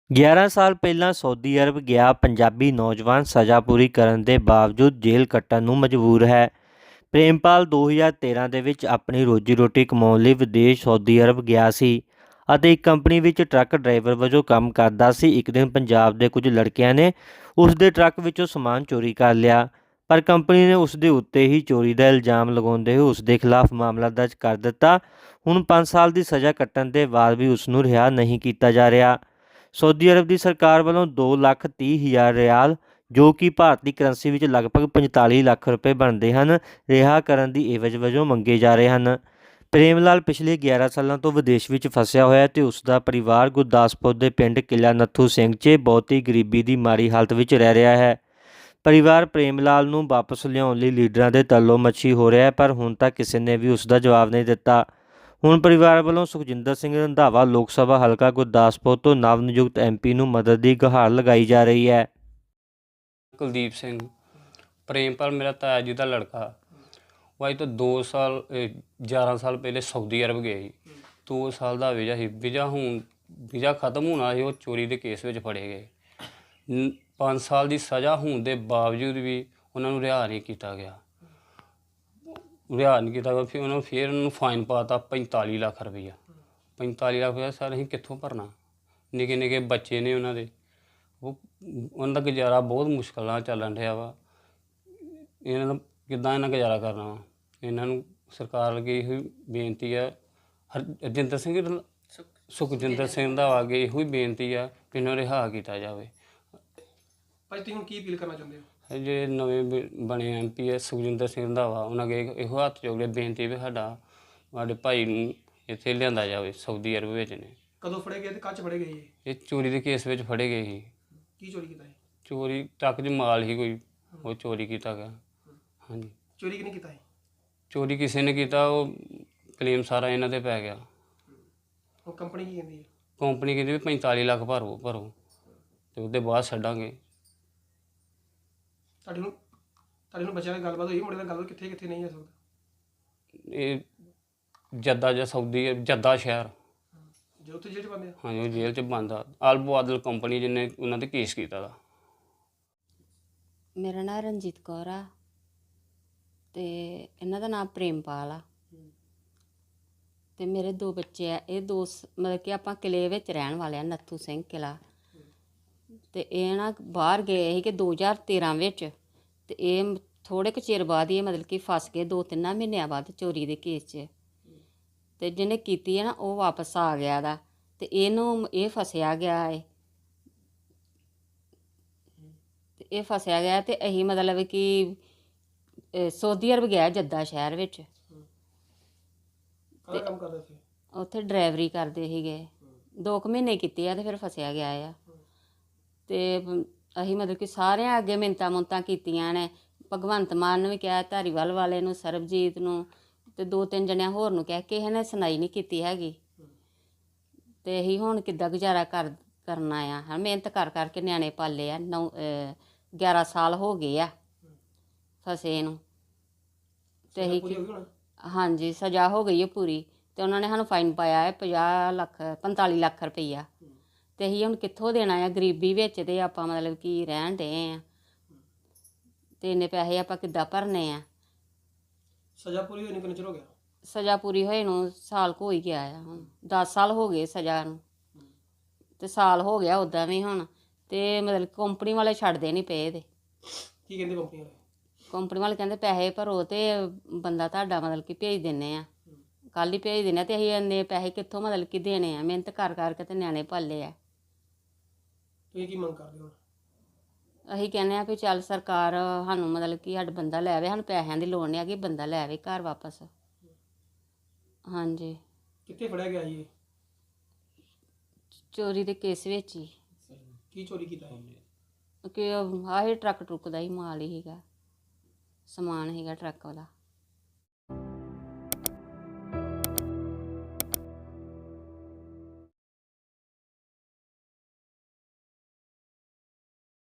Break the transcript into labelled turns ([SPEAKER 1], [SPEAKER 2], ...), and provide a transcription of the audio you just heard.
[SPEAKER 1] 11 ਸਾਲ ਪਹਿਲਾਂ ਸਊਦੀ ਅਰਬ ਗਿਆ ਪੰਜਾਬੀ ਨੌਜਵਾਨ ਸਜ਼ਾ ਪੂਰੀ ਕਰਨ ਦੇ ਬਾਵਜੂਦ ਜੇਲ੍ਹ ਕੱਟਣ ਨੂੰ ਮਜਬੂਰ ਹੈ। ਪ੍ਰੇਮਪਾਲ 2013 ਦੇ ਵਿੱਚ ਆਪਣੀ ਰੋਜੀ ਰੋਟੀ ਕਮਾਉਣ ਲਈ ਵਿਦੇਸ਼ ਸਊਦੀ ਅਰਬ ਗਿਆ ਸੀ ਅਤੇ ਇੱਕ ਕੰਪਨੀ ਵਿੱਚ ਟਰੱਕ ਡਰਾਈਵਰ ਵਜੋਂ ਕੰਮ ਕਰਦਾ ਸੀ। ਇੱਕ ਦਿਨ ਪੰਜਾਬ ਦੇ ਕੁਝ ਲੜਕਿਆਂ ਨੇ ਉਸ ਦੇ ਟਰੱਕ ਵਿੱਚੋਂ ਸਮਾਨ ਚੋਰੀ ਕਰ ਲਿਆ, ਪਰ ਕੰਪਨੀ ਨੇ ਉਸ ਦੇ ਉੱਤੇ ਹੀ ਚੋਰੀ ਦਾ ਇਲਜ਼ਾਮ ਲਗਾਉਂਦੇ ਹੋਏ ਉਸ ਦੇ ਖਿਲਾਫ ਮਾਮਲਾ ਦਰਜ ਕਰ ਦਿੱਤਾ। ਹੁਣ 5 ਸਾਲ ਦੀ ਸਜ਼ਾ ਕੱਟਣ ਦੇ ਬਾਅਦ ਵੀ ਉਸ ਨੂੰ ਰਿਹਾ ਨਹੀਂ ਕੀਤਾ ਜਾ ਰਿਹਾ। ਸਊਦੀ ਅਰਬ ਦੀ ਸਰਕਾਰ ਵੱਲੋਂ 2,30,000 ਰਿਆਲ, ਜੋ ਕਿ ਭਾਰਤੀ ਕਰੰਸੀ ਵਿੱਚ ਲਗਭਗ 45 ਲੱਖ ਰੁਪਏ ਬਣਦੇ ਹਨ, ਰਿਹਾ ਕਰਨ ਦੀ ਏਵਜ਼ ਵਜੋਂ ਮੰਗੇ ਜਾ ਰਹੇ ਹਨ। ਪ੍ਰੇਮ ਲਾਲ ਪਿਛਲੇ 11 ਸਾਲਾਂ ਤੋਂ ਵਿਦੇਸ਼ ਵਿੱਚ ਫਸਿਆ ਹੋਇਆ ਅਤੇ ਉਸ ਦਾ ਪਰਿਵਾਰ ਗੁਰਦਾਸਪੁਰ ਦੇ ਪਿੰਡ ਕਿਲ੍ਹਾ ਨੱਥੂ ਸਿੰਘ 'ਚ ਬਹੁਤੀ ਗਰੀਬੀ ਦੀ ਮਾੜੀ ਹਾਲਤ ਵਿੱਚ ਰਹਿ ਰਿਹਾ ਹੈ। ਪਰਿਵਾਰ ਪ੍ਰੇਮ ਲਾਲ ਨੂੰ ਵਾਪਸ ਲਿਆਉਣ ਲਈ ਲੀਡਰਾਂ ਦੇ ਤੱਲੋ ਮੱਛੀ ਹੋ ਰਿਹਾ ਹੈ, ਪਰ ਹੁਣ ਤੱਕ ਕਿਸੇ ਨੇ ਵੀ ਉਸ ਦਾ ਜਵਾਬ ਨਹੀਂ ਦਿੱਤਾ। ਹੁਣ ਪਰਿਵਾਰ ਵੱਲੋਂ ਸੁਖਜਿੰਦਰ ਸਿੰਘ ਰੰਧਾਵਾ ਲੋਕ ਸਭਾ ਹਲਕਾ ਗੁਰਦਾਸਪੁਰ ਤੋਂ ਨਵ ਨਿਯੁਕਤ MP ਨੂੰ ਮਦਦ ਦੀ ਗੁਹਾਰ ਲਗਾਈ ਜਾ ਰਹੀ ਹੈ।
[SPEAKER 2] ਕੁਲਦੀਪ ਸਿੰਘ ਪ੍ਰੇਮਪਾਲ ਮੇਰਾ ਤਾਇਆ ਜੀ ਦਾ ਲੜਕਾ। ਉਹ ਅੱਜ ਤੋਂ 11 ਸਾਲ ਪਹਿਲੇ ਸਊਦੀ ਅਰਬ ਗਿਆ ਸੀ। 2 ਸਾਲ ਦਾ ਵੀਜ਼ਾ ਸੀ। ਵੀਜ਼ਾ ਖਤਮ ਹੋਣਾ ਸੀ, ਉਹ ਚੋਰੀ ਦੇ ਕੇਸ ਵਿੱਚ ਫੜੇ ਗਏ। 5 ਸਾਲ ਦੀ ਸਜ਼ਾ ਹੋਣ ਦੇ ਬਾਵਜੂਦ ਵੀ ਉਹਨਾਂ ਨੂੰ ਰਿਹਾ ਨਹੀਂ ਕੀਤਾ ਗਿਆ। ਫਿਰ ਉਹਨਾਂ ਨੂੰ ਫਾਈਨ ਪਾਤਾ 45 ਲੱਖ ਰੁਪਈਆ। 45 ਲੱਖ ਰੁਪਈਆ ਸਰ ਅਸੀਂ ਕਿੱਥੋਂ ਭਰਨਾ? ਨਿੱਕੇ ਨਿੱਕੇ ਬੱਚੇ ਨੇ ਉਹਨਾਂ ਦੇ, ਉਹਨਾਂ ਦਾ ਗੁਜ਼ਾਰਾ ਬਹੁਤ ਮੁਸ਼ਕਿਲ ਨਾਲ ਚੱਲਣ ਰਿਹਾ ਵਾ। ਇਹਨਾਂ ਦਾ ਕਿੱਦਾਂ ਗੁਜ਼ਾਰਾ ਕਰਨਾ ਵਾ? ਇਹਨਾਂ ਨੂੰ ਸਰਕਾਰ ਅੱਗੇ ਇਹੋ ਬੇਨਤੀ ਆ, ਸੁਖਜਿੰਦਰ ਸਿੰਘ ਦਾ ਅੱਗੇ ਇਹੋ ਹੀ ਬੇਨਤੀ ਆ ਕਿ ਇਹਨਾਂ ਨੂੰ ਰਿਹਾ ਕੀਤਾ ਜਾਵੇ।
[SPEAKER 3] ਭਾਈ ਤੁਸੀਂ ਹੁਣ ਕੀ ਅਪੀਲ ਕਰਨਾ ਚਾਹੁੰਦੇ ਹੋ?
[SPEAKER 2] ਜਿਹੜੇ ਨਵੇਂ ਬਣੇ MP ਹੈ ਸੁਖਜਿੰਦਰ ਸਿੰਘ ਰੰਧਾਵਾ, ਉਹਨਾਂ ਅੱਗੇ ਇਹੋ ਹੱਥ ਜੋੜ ਬੇਨਤੀ ਵੀ ਸਾਡੇ ਭਾਈ ਨੂੰ ਇੱਥੇ ਲਿਆਂਦਾ ਜਾਵੇ। ਸਊਦੀ ਅਰਬ ਵਿੱਚ ਨੇ।
[SPEAKER 3] ਕਦੋਂ ਫੜੇ ਗਏ ਤੇ ਕੱਚ ਫੜੇ ਗਏ?
[SPEAKER 2] ਇਹ ਚੋਰੀ ਦੇ ਕੇਸ ਵਿੱਚ ਫੜੇ ਗਏ ਸੀ।
[SPEAKER 3] ਕੀ ਚੋਰੀ ਕੀਤਾ?
[SPEAKER 2] ਚੋਰੀ ਟਰੱਕ 'ਚ ਮਾਲ ਹੀ ਕੋਈ, ਉਹ ਚੋਰੀ ਕੀਤਾ ਗਿਆ। ਹਾਂਜੀ।
[SPEAKER 3] ਚੋਰੀ ਕਿਹਨੇ ਕੀਤਾ?
[SPEAKER 2] ਚੋਰੀ ਕਿਸੇ ਨੇ ਕੀਤਾ, ਉਹ ਕਲੇਮ ਸਾਰਾ ਇਹਨਾਂ 'ਤੇ ਪੈ ਗਿਆ।
[SPEAKER 3] ਉਹ ਕੰਪਨੀ ਕੀ ਕਹਿੰਦੀ ਹੈ?
[SPEAKER 2] ਕੰਪਨੀ ਕਹਿੰਦੀ ਵੀ 45 ਲੱਖ ਭਰੋ ਅਤੇ ਉਹਦੇ ਬਾਅਦ ਛੱਡਾਂਗੇ।
[SPEAKER 3] ਤੁਹਾਡੇ ਨੂੰ ਬੱਚਿਆਂ ਨਾਲ ਗੱਲਬਾਤ ਹੋਈ? ਮੁੰਡੇ ਨਾਲ ਗੱਲਬਾਤ ਕਿੱਥੇ ਨਹੀਂ ਹੋ ਸਕਦਾ?
[SPEAKER 2] ਇਹ ਜੱਦਾ ਸ਼ਹਿਰ।
[SPEAKER 3] ਜੋ ਉੱਥੇ ਜੇਲ੍ਹ 'ਚ ਬੰਦੇ?
[SPEAKER 2] ਹਾਂਜੀ, ਉਹ ਜੇਲ੍ਹ 'ਚ ਬੰਦ ਆ। ਆਦਲ ਕੰਪਨੀ ਜਿਹਨੇ ਉਹਨਾਂ 'ਤੇ ਕੇਸ ਕੀਤਾ ਦਾ।
[SPEAKER 4] ਮੇਰਾ ਨਾਂ ਰਣਜੀਤ ਕੌਰ ਆ ਅਤੇ ਇਹਨਾਂ ਦਾ ਨਾਮ ਪ੍ਰੇਮਪਾਲ ਆ ਅਤੇ ਮੇਰੇ 2 ਬੱਚੇ ਆ। ਇਹ ਮਤਲਬ ਕਿ ਆਪਾਂ ਕਿਲ੍ਹੇ ਵਿੱਚ ਰਹਿਣ ਵਾਲੇ ਆ, ਨੱਥੂ ਸਿੰਘ ਕਿਲ੍ਹਾ। ਅਤੇ ਇਹ ਨਾ ਬਾਹਰ ਗਏ ਸੀ ਕਿ 2013 ਵਿੱਚ, ਅਤੇ ਇਹ ਥੋੜ੍ਹੇ ਕੁ ਚਿਰ ਬਾਅਦ ਹੀ ਮਤਲਬ ਕਿ ਫਸ ਗਏ 2-3 ਮਹੀਨਿਆਂ ਬਾਅਦ ਚੋਰੀ ਦੇ ਕੇਸ 'ਚ। ਅਤੇ ਜਿਹਨੇ ਕੀਤੀ ਹੈ ਨਾ, ਉਹ ਵਾਪਸ ਆ ਗਿਆ ਦਾ, ਅਤੇ ਇਹ ਫਸਿਆ ਗਿਆ ਹੈ। ਅਤੇ ਇਹ ਫਸਿਆ ਗਿਆ ਅਤੇ ਅਸੀਂ ਮਤਲਬ ਕਿ ਸਊਦੀ ਅਰਬ ਗਿਆ ਜੱਦਾ ਸ਼ਹਿਰ ਵਿੱਚ।
[SPEAKER 3] ਕੰਮ ਕਰਦੇ ਸੀ
[SPEAKER 4] ਉੱਥੇ ਡਰਾਈਵਰੀ ਕਰਦੇ ਸੀਗੇ। 2 ਮਹੀਨੇ ਕੀਤੇ ਆ ਅਤੇ ਫਿਰ ਫਸਿਆ ਗਿਆ ਆ। ਅਤੇ ਅਸੀਂ ਮਤਲਬ ਕਿ ਸਾਰਿਆਂ ਅੱਗੇ ਮਿੰਨਤਾਂ ਮੁੰਨਤਾਂ ਕੀਤੀਆਂ ਨੇ। ਭਗਵੰਤ ਮਾਨ ਨੂੰ ਵੀ ਕਿਹਾ, ਧਾਰੀਵਾਲ ਵਾਲੇ ਨੂੰ, ਸਰਬਜੀਤ ਨੂੰ, ਅਤੇ 2-3 ਜਣਿਆਂ ਹੋਰ ਨੂੰ ਕਿਹਾ। ਕਿਸੇ ਨੇ ਸੁਣਾਈ ਨਹੀਂ ਕੀਤੀ ਹੈਗੀ। ਅਤੇ ਅਸੀਂ ਹੁਣ ਕਿੱਦਾਂ ਗੁਜ਼ਾਰਾ ਕਰਨਾ ਆ? ਮਿਹਨਤ ਕਰਕੇ ਨਿਆਣੇ ਪਾਲੇ ਆ। 11 ਸਾਲ ਹੋ ਗਏ ਆ ਫਸੇ ਨੂੰ। ਅਤੇ ਅਸੀਂ ਹਾਂਜੀ, ਸਜ਼ਾ ਹੋ ਗਈ ਹੈ ਪੂਰੀ। ਅਤੇ ਉਹਨਾਂ ਨੇ ਸਾਨੂੰ ਫਾਈਨ ਪਾਇਆ ਹੈ 45 ਲੱਖ ਰੁਪਈਆ। ਅਤੇ ਅਸੀਂ ਹੁਣ ਕਿੱਥੋਂ ਦੇਣਾ ਆ? ਗਰੀਬੀ ਵਿੱਚ ਅਤੇ ਆਪਾਂ ਮਤਲਬ ਕਿ ਰਹਿਣ ਡਏ ਹਾਂ, ਅਤੇ ਇੰਨੇ ਪੈਸੇ ਆਪਾਂ ਕਿੱਦਾਂ ਭਰਨੇ ਆ?
[SPEAKER 3] ਸਜ਼ਾ ਪੂਰੀ ਹੋਈ ਨੂੰ ਕਿੰਨਾ ਚਿਰ ਹੋ ਗਿਆ?
[SPEAKER 4] ਸਜ਼ਾ ਪੂਰੀ ਹੋਏ ਨੂੰ ਸਾਲ ਕੁ ਹੋ ਹੀ ਗਿਆ ਆ। ਹੁਣ 10 ਸਾਲ ਹੋ ਗਏ ਸਜ਼ਾ ਨੂੰ, ਅਤੇ ਸਾਲ ਹੋ ਗਿਆ ਉੱਦਾਂ ਵੀ ਹੁਣ। ਅਤੇ ਮਤਲਬ ਕੰਪਨੀ ਵਾਲੇ ਛੱਡਦੇ ਨਹੀਂ ਪਏ ਇਹਦੇ।
[SPEAKER 3] ਕੀ ਕਹਿੰਦੇ ਕੰਪਨੀ ਵਾਲੇ?
[SPEAKER 4] ਕੰਪਨੀ ਵਾਲੇ ਕਹਿੰਦੇ ਪੈਸੇ ਭਰੋ ਅਤੇ ਬੰਦਾ ਤੁਹਾਡਾ ਮਤਲਬ ਕਿ ਭੇਜ ਦਿੰਦੇ ਆ, ਕੱਲ੍ਹ ਹੀ ਭੇਜ ਦਿੰਦੇ ਆ। ਅਤੇ ਅਸੀਂ ਇੰਨੇ ਪੈਸੇ ਕਿੱਥੋਂ ਮਤਲਬ ਕਿ ਦੇਣੇ ਆ? ਮਿਹਨਤ ਕਰਕੇ ਅਤੇ ਨਿਆਣੇ ਪਾਲੇ ਆ।
[SPEAKER 3] ਤੁਸੀਂ ਕੀ ਮੰਗ ਕਰਦੇ ਹੋ?
[SPEAKER 4] ਅਸੀਂ ਕਹਿੰਦੇ ਹਾਂ ਵੀ ਚੱਲ ਸਰਕਾਰ ਸਾਨੂੰ ਮਤਲਬ ਕਿ ਸਾਡਾ ਬੰਦਾ ਲੈ ਆਵੇ। ਸਾਨੂੰ ਪੈਸਿਆਂ ਦੀ ਲੋੜ ਨਹੀਂ ਹੈਗੀ, ਬੰਦਾ ਲੈ ਆਵੇ ਘਰ ਵਾਪਸ। ਹਾਂਜੀ।
[SPEAKER 3] ਕਿੱਥੇ ਫੜਿਆ ਗਿਆ ਜੀ?
[SPEAKER 4] ਚੋਰੀ ਦੇ ਕੇਸ ਵਿੱਚ ਹੀ।
[SPEAKER 3] ਕੀ ਚੋਰੀ ਕੀਤਾ?
[SPEAKER 4] ਕਿ ਆਹੀ ਟਰੱਕ ਟਰੁੱਕ ਦਾ ਹੀ ਮਾਲ ਹੀ ਸੀਗਾ, ਸਮਾਨ ਸੀਗਾ ਟਰੱਕ ਵਾਲਾ।